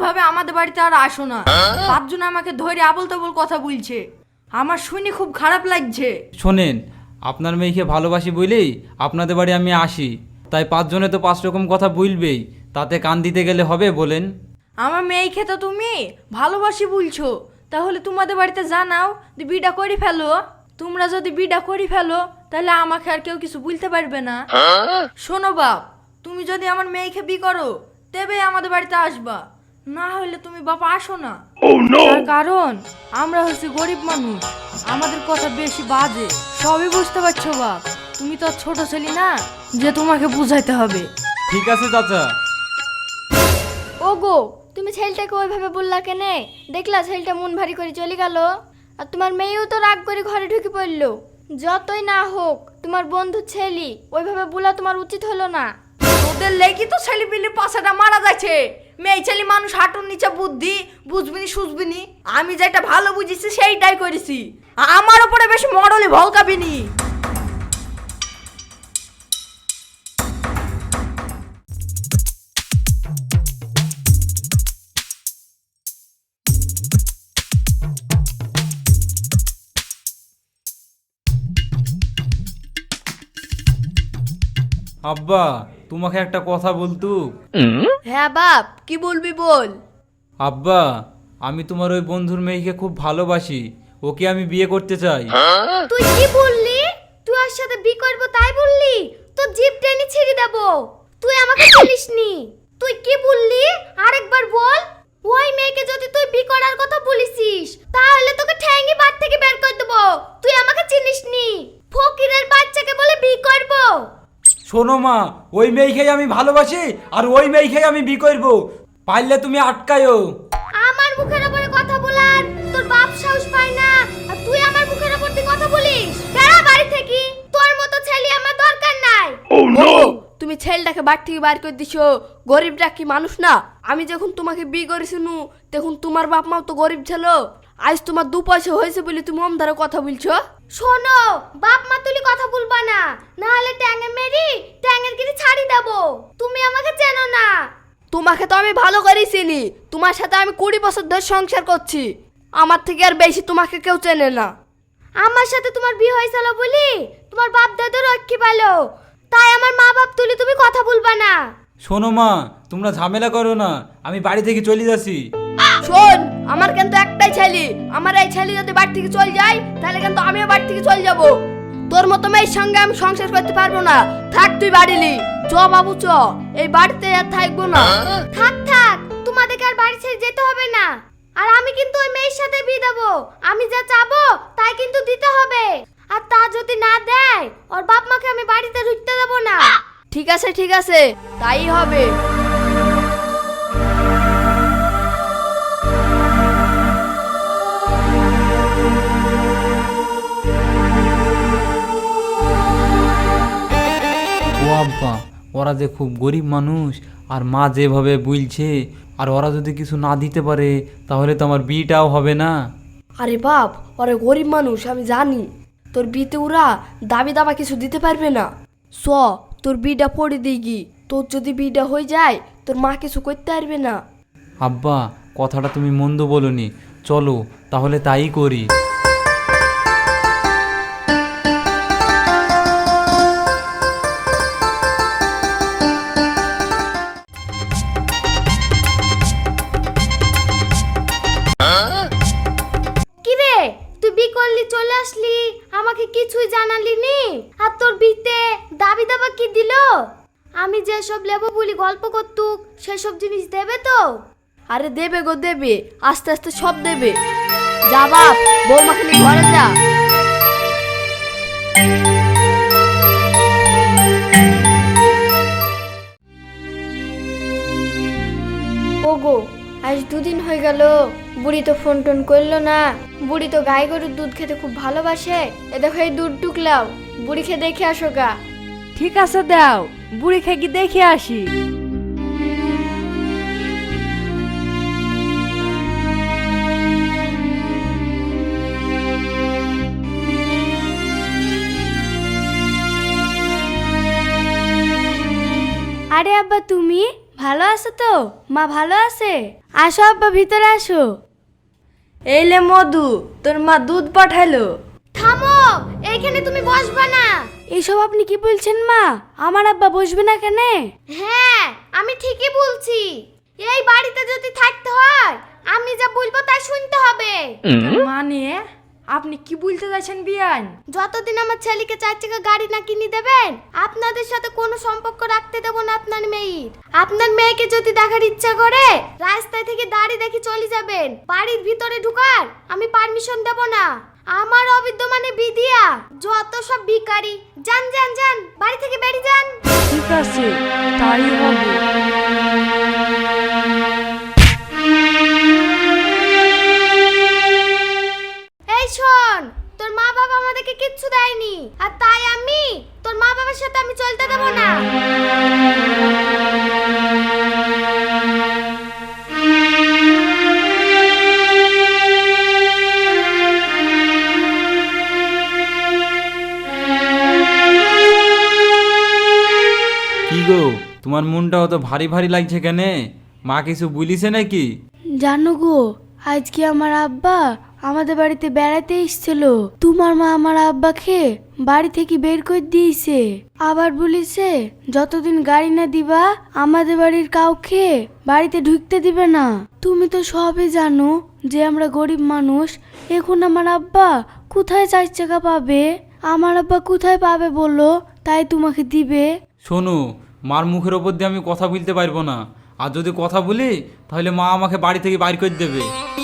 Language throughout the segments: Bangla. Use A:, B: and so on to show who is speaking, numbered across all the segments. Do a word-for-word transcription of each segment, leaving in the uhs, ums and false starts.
A: এইভাবে আমাদের বাড়িতে আর আসো না। পাঁচজন আমাকে ধরে আবল তাবল কথা বলছে, আমার শুনে খুব খারাপ লাগছে।
B: শোনেন, আপনার মেয়েকে ভালোবাসি বলেই আপনাদের বাড়ি আমি আসি, তাই পাঁচজনে তো পাঁচ রকম কথা বলবেই, তাতে কান দিতে গেলে হবে বলেন?
A: আমার মেয়েকে তো তুমি ভালোবাসি বলছো, তাহলে তোমাদের বাড়িতে জানাও যে বিটা করে ফেলো। তোমরা যদি বিটা করে ফেলো তাহলে আমাকে আর কেউ কিছু বলতে পারবে না। শোনো বাপ, তুমি যদি আমার মেয়েকে বি করো তবে আমাদের বাড়িতে আসবা, না হলে তুমি বাবা আসো না। তার কারণ আমরা হচ্ছে গরিব মানুষ, আমাদের কথা বেশি বাজে। সবই বুঝতে পারছো বাপ, তুমি তো আর ছোট ছেলে না যে তোমাকে বুঝাইতে হবে।
B: ঠিক আছে চাচা।
C: ওগো, তুমি ছেলেটাকে ওইভাবে বললা কেনে? দেখলা ছেলেটা মন ভারী করে চলে গেল, আর তোমার মেয়েও তো রাগ করে ঘরে ঢুকে পড়লো। যতই না হোক তোমার বন্ধু ছেলে, ওইভাবে বলা তোমার উচিত হলো না।
A: তোদের লেগি তো ছেলে পিলে পাশাটা মারা যাচ্ছে। মেয়ে ছেলে মানুষ হাঁটুর নিচে বুদ্ধি, বুঝবিনি সুঝবিনি। আমি যেটা ভালো বুঝেছি সেইটাই করেছি, আমার উপরে বেশি মরলে ভলকাবিনি।
B: আব্বা, তোমাকে একটা কথা বলতু।
A: হ্যাঁ বাপ, কি বলবি বল।
B: আব্বা, আমি তোমার ওই বন্ধুর মেয়েকে খুব ভালোবাসি, ওকে আমি বিয়ে করতে চাই।
C: তুই কি বললি? তুই ওর সাথে বি করবো তাই বললি? তো জিপ টেনে ছেড়ে দেব। তুই আমাকে চিনিসনি। তুই কি বললি আরেকবার বল। ওই মেয়েকে যদি তুই বি করার কথা বলিসিস তাহলে তোকে ঠ্যাঙ্গি বাদ থেকে বের করে দেব। তুই আমাকে চিনিসনি। ফকিরের বাচ্চাকে বলে বি করব।
B: শোনো মা, ওই মেয়েকেই আমি ভালোবাসি আর ওই মেয়েকেই আমি বিয়ে করব, পারলে তুমি আটকায়ও।
C: আমার মুখের উপরে কথা বলার তোর বাপ সাহস পায় না, আর তুই আমার মুখের উপর দিয়ে কথা বলিস। বেড়া বাড়ি থেকে, তোর মতো ছেলে আমার দরকার নাই।
A: তুমি ছেলেটাকে বাড়ি থেকে বার করে দিছো, গরিবটা কি মানুষ না? আমি যখন তোমাকে বিয়ে করেছিনু তখন তোমার বাপ মাও তো গরিব ছিল। আজ তোমার দু পয়সা হয়েছে বলে তুমি অমদারে কথা বলছো।
C: শোনো, বাপ মা তুলি কথা বলবা না, না হলে ট্যাঙ্গে মেরি ট্যাঙ্গের গিরি ছাড়ি দেবো। তুমি আমাকে চেনো না।
A: তোমাকে তো আমি ভালো করেই চিনি, তোমার সাথে আমি কুড়ি বছর ধরে সংসার করছি, আমার থেকে আর বেশি তোমাকে কেউ চেনে না।
C: আমার সাথে তোমার বিয়ে হয়েছিল বলি তোমার বাপ দাদু রক্ষী পালো, তাই আমার মা বাপ তুলি তুমি কথা বলবা না।
B: শোনো মা, তোমরা ঝামেলা করো না, আমি বাড়ি থেকে চলে যাচ্ছি।
A: শোন, আমার কিন্তু একটাই ছেলে, আমার এই ছেলে যদি বাড়ি থেকে চলে যায় তাহলে কিন্তু আমিও বাড়ি থেকে চলে যাব। তোর মতো মেয়ের সঙ্গে আমি সংসার করতে পারবো না। থাক তুই বাড়িলি, চ বাবু চ, এই বাড়িতে আর থাকবো না।
C: থাক থাক, তোমাদেরকে আর বাড়ি ছেড়ে যেতে হবে না। আর আমি কিন্তু ওই মেয়ের সাথে বিয়ে দেবো। আমি যা চাবো তাই কিন্তু দিতে হবে, আর তা যদি না দেয় ওর বাপ মাকে আমি বাড়িতে ঢুকতে দেবো না।
A: ঠিক আছে ঠিক আছে, তাই হবে।
B: ও আব্বা, ওরা যে খুব গরিব মানুষ, আর মা যেভাবে বলছে, আর ওরা যদি কিছু না দিতে পারে তাহলে তো আমার বিয়েটাও হবে না।
A: আরে বাপ, ওরা গরিব মানুষ আমি জানি, তোর বিতে ওরা দাবি দাবা কিছু দিতে পারবে না। স তোর বিটা পড়ে দিগি, তোর যদি বিটা হয়ে যায় তোর মা কিছু করতে পারবে না।
B: আব্বা, কথাটা তুমি মন্দ বলনি, চলো তাহলে তাই করি।
C: কি রে, তুই বি করলি চলে আসলি, আমাকে কিছুই জানালি নি। আর তোর বিতে দাবি দাবা কি দিল? আমি যে সব লেবো বলি গল্প করতুক সেসব জিনিস দেবে তো?
A: আরে দেবে গো দেবে, আস্তে আস্তে সব দেবে। যা বাপ, বৌমাকে নিয়ে ঘরে যা।
C: ওগো, আজ দুদিন হয়ে গেল বুড়ি তো ফোন টোন করলো না। বুড়ি তো গাই গরুর দুধ খেতে খুব ভালোবাসে। এ দেখো এই দুধ টুকলাও, বুড়িকে দেখে আসো গা।
A: ঠিক আছে দাও, বুড়ি খেয়ে গিয়ে দেখে আসি।
C: আরে আব্বা তুমি ভালো আছো তো? মা ভালো আছে? আসো আব্বা, ভিতরে আসো।
A: এই লে মধু, তোর মা দুধ পাঠালো।
C: থামো, এইখানে তুমি বসবা না। এসব আপনি কি বলছেন মা? আমার আব্বা বসবে না কেন? হ্যাঁ, আমি ঠিকই বলছি। এই বাড়িতে যদি থাকতে হয়, আমি যা বলবো তাই শুনতে হবে।
A: মানে আপনি কি বলতে চাইছেন বিয়ান?
C: যতদিন আমার ছেলেকে চার চাকা গাড়ি না কিনে দেবেন, আপনাদের সাথে কোনো সম্পর্ক রাখতে দেব না আপনার মেয়ের। আপনার মেয়েকে যদি দেখার ইচ্ছা করে, রাস্তায় থেকে দাঁড়িয়ে দেখে চলে যাবেন। বাড়ির ভিতরে ঢুকার আমি পারমিশন দেব না। আমার অবিদ্যমানে বিধিয়া যত সব ভিখারি, যান যান যান, বাড়ি থেকে বেরিয়ে যান।
A: ঠিক আছে, তাই হবে।
C: এই শোন, তোর মা বাবা আমাদেরকে কিচ্ছু দেয়নি, আর তাই আমি তোর মা বাবার সাথে আমি চলতে দেব না।
B: কি গো, তোমার মনটা অত ভারী ভারী লাগছে কেন? মা কিছু বলিছে নাকি?
C: জানো গো, আজকে আমার আব্বা আমাদের বাড়িতে বেড়াতে এসেছিল। তোমার মা আমার আব্বাকে বাড়ি থেকে বের করে দিয়েছে। আবার বলেছে যতদিন গাড়ি না দিবা আমাদের বাড়ির কাউকে বাড়িতে ঢুকতে দিবে না। তুমি তো সবই জানো যে আমরা গরিব মানুষ। এখন আমার আব্বা কোথায় চার চাকা পাবে? আমার আব্বা কোথায় পাবে বলো, তাই তোমাকে দিবে?
B: শোনো, মার মুখের ওপর দিয়ে আমি কথা বলতে পারবো না। আর যদি কথা বলি তাহলে মা আমাকে বাড়ি থেকে বাইর করে দেবে।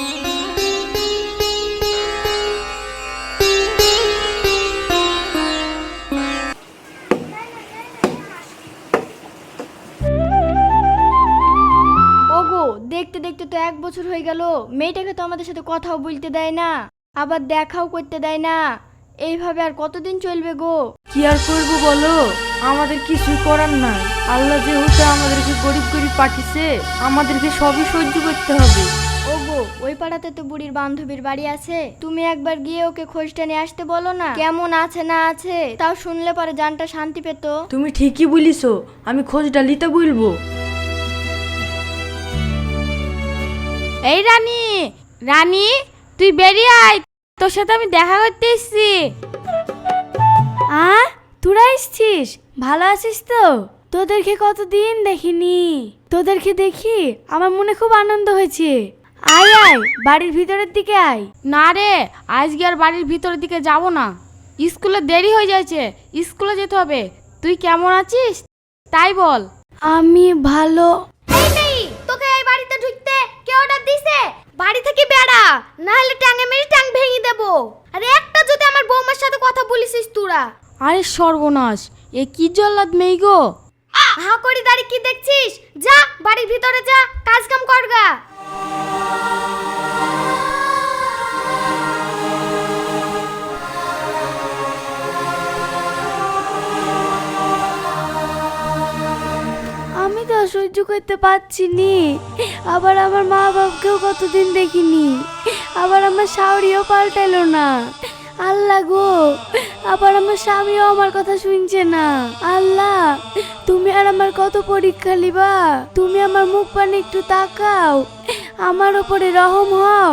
C: ওগো, দেখতে দেখতে তো এক বছর হয়ে গেল, মেয়েটাকে তো আমাদের সাথে কথাও বলতে দেয় না, আবার দেখাও করতে দেয় না। এইভাবে আর কতদিন চলবে গো?
A: কি আর করবো বলো, আমাদের কিছুই করার নাই। আল্লাহ যেহেতু আমাদেরকে গরিব গরিব পাঠিয়েছে, আমাদেরকে সবই সহ্য করতে হবে।
C: ওগো, ওই পাড়াতে তো বুড়ির বান্ধবীর বাড়ি আছে, তুমি একবার গিয়ে ওকে খোঁজটা নিয়ে আসতে বলো না, কেমন আছে না আছে, তাও শুনলে পরে জানটা শান্তি পেতো।
A: তুমি ঠিকই বলিছো, আমি খোঁজটা নিতে বলবো।
D: এই রানী, রানী তুই বেরিয়ে আয়, তোর সাথে আমি দেখা করতে এসেছি।
C: আ তোরা এসছিস? ভালো আছিস তো? তোদেরকে কতদিন দেখিনি, তোদেরকে দেখি আমার মনে খুব আনন্দ হয়েছে। আয় আয়, বাড়ির ভিতরের দিকে আয়।
D: না রে, আজকে আর বাড়ির ভিতরের দিকে যাব না, স্কুলে দেরি হয়ে যাচ্ছে, স্কুলে যেতে হবে। তুই কেমন আছিস তাই বল।
C: আমি ভালো। এই নেই, তোকে এই বাড়িতে ঢুকতে কে অর্ডার দিছে? বাড়ি থেকে বেড়া, না হলে টাঙে মেরে টাং ভেঙে দেব। আরে একটা যদি আমার বৌমার সাথে কথা বলিসিস তোরা।
D: আরে সর্বনাশ, এ কি জল্লাদ মেয়ে গো।
C: হা করি দাঁড়িয়ে কি দেখছিস? যা বাড়ির ভিতরে যা, কাজ কাম করগা। আমি তো সহ্য করতে পারছি নি। আবার আমার মা বাবাকেও কতদিন দেখিনি, আবার আমার শাওরিও পাল্টাইলো না। আল্লাহ গো, আবার আমার স্বামীও আমার কথা শুনছে না। আল্লাহ, তুমি আর আমার কত পরীক্ষা লিবা? তুমি আমার মুখ পানে একটু তাকাও, আমার উপরে রহম হও।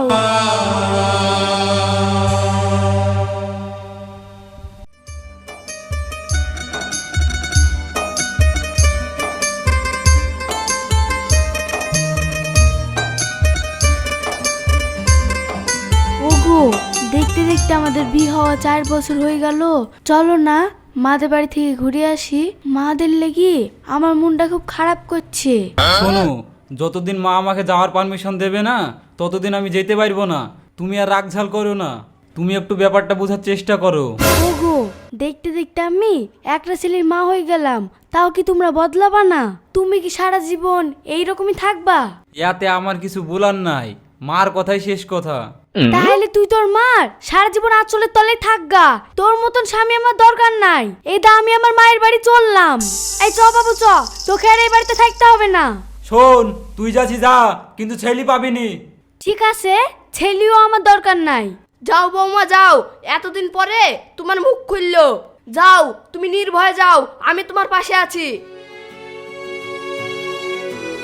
C: ওগো, দেখতে দেখতে আমাদের বিয়ে হওয়া চার বছর হয়ে গেল। চলো না মাদের বাড়ি থেকে ঘুরে আসি। মাদের লেগে আমার মনটা খুব খারাপ করছে।
B: শোনো, যতদিন মা আমাকে যাওয়ার পারমিশন দেবে না ততদিন আমি যেতে পারবো না। তুমি আর রাগঝাল করো না, তুমি একটু ব্যাপারটা বোঝার চেষ্টা করো।
C: ওগো, দেখতে দেখতে আমি একটা ছেলের মা হয়ে গেলাম, তাও কি তোমরা বদলাবা না? তুমি কি সারা জীবন এইরকমই থাকবা?
B: ইয়াতে আমার কিছু বলার নাই, মার কথাই শেষ কথা।
C: তাহলে তুই তোর মার সারা জীবন আঁচলের তলে থাকগা। তোর মতন স্বামী আমার দরকার নাই। এই দা আমি আমার মায়ের বাড়ি চললাম। এই চ বাবু চ, তোকে আর এই বাড়িতে থাকতে হবে না।
B: শোন, তুই যাচ্ছি যা, কিন্তু ছেলে পাবিনি।
C: ঠিক আছে, ছেলেও আমার দরকার নাই।
A: যাও বৌমা যাও, এতদিন পরে তোমার মুখ খুললো। যাও, তুমি নির্ভয়ে যাও, আমি তোমার পাশে আছি।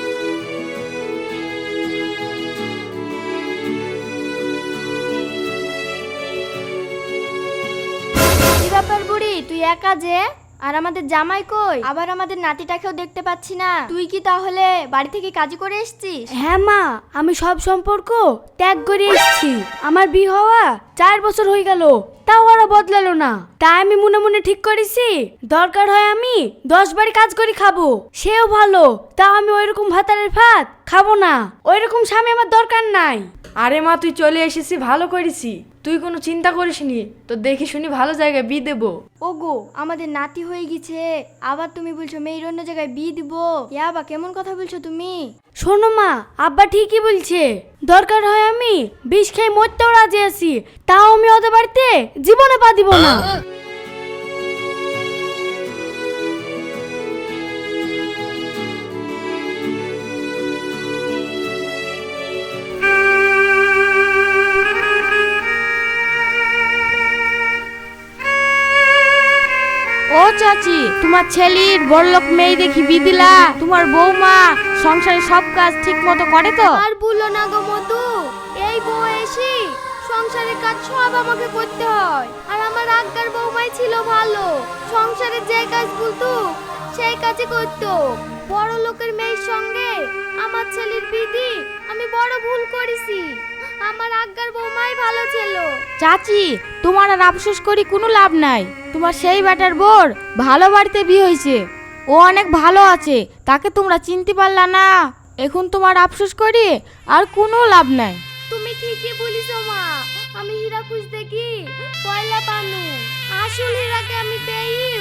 C: ব্যাপার বুড়ি, তুই একা যে? আর আমাদের জামাই কই? আবার আমাদের নাতিটাকেও দেখতে পাচ্ছি না। তুই কি তাহলে বাড়ি থেকে কাজই করে এসেছিস?
E: হ্যাঁ মা, আমি সব সম্পর্ক ত্যাগ করে এসেছি। আমার বিয়ে হওয়া চার বছর হয়ে গেল, তাও ওরা বদলালো না। তাই আমি মনে মনে ঠিক করেছি, দরকার হয় আমি দশ বাড়ি কাজ করে খাবো, সেও ভালো। তাও আমি ওইরকম ভাতারের ভাত খাবো না। ওইরকম স্বামী আমার দরকার নাই।
A: আরে মা, তুই চলে এসেছি, ভালো করেছি। তুই কোনো চিন্তা করিসনি, তো দেখি শুনি ভালো জায়গায় বিয়ে দেবো।
C: ওগো, আমাদের নাতি হয়ে গেছে, আবার তুমি বলছো মেয়ের অন্য জায়গায় বিয়ে দিব? ইয়া বা কেমন কথা বলছো তুমি?
E: শোনো মা, আব্বা ঠিকই বলছে। দরকার হয় আমি বিষ খেয়ে মরতেও রাজি আছি, তাও আমি ওদের বাড়িতে জীবনে পা দিব না।
D: ও চাচি, তোমার ছেলের বড়লোক মেয়ে দেখি বিয়ে দিলা। তোমার বৌমা সংসারে সব কাজ ঠিক মতো করে তো?
C: আর বললো না গো মধু, এই বউ এসে সংসারের কাজ সব আমাকে করতে হয়। আর আমার আজ্ঞার বৌমাই ছিল ভালো, সংসারের যে কাজ বলতো সেই কাজই করতো। বড় লোকের মেয়ের সঙ্গে আমার ছেলের বিধি আমি বড় ভুল করেছি। আমার আজ্ঞার বৌমাই ভালো ছিল।
D: চাচি, তোমার আর আফসোস করি কোনো লাভ নাই। তোমার সেই বেটার বোর ভালো বাড়িতে বিয়ে হয়েছে, ও অনেক ভালো আছে, তাকে তোমরা চিনতে পারলা না। এখন তোমার আফসোস করি আর কোনো লাভ নাই।
C: তুমি ঠিকই বলিস মা, আমি হীরা খুঁজতে কি পয়লা পানু, আসল হীরাকে আমি পেয়ে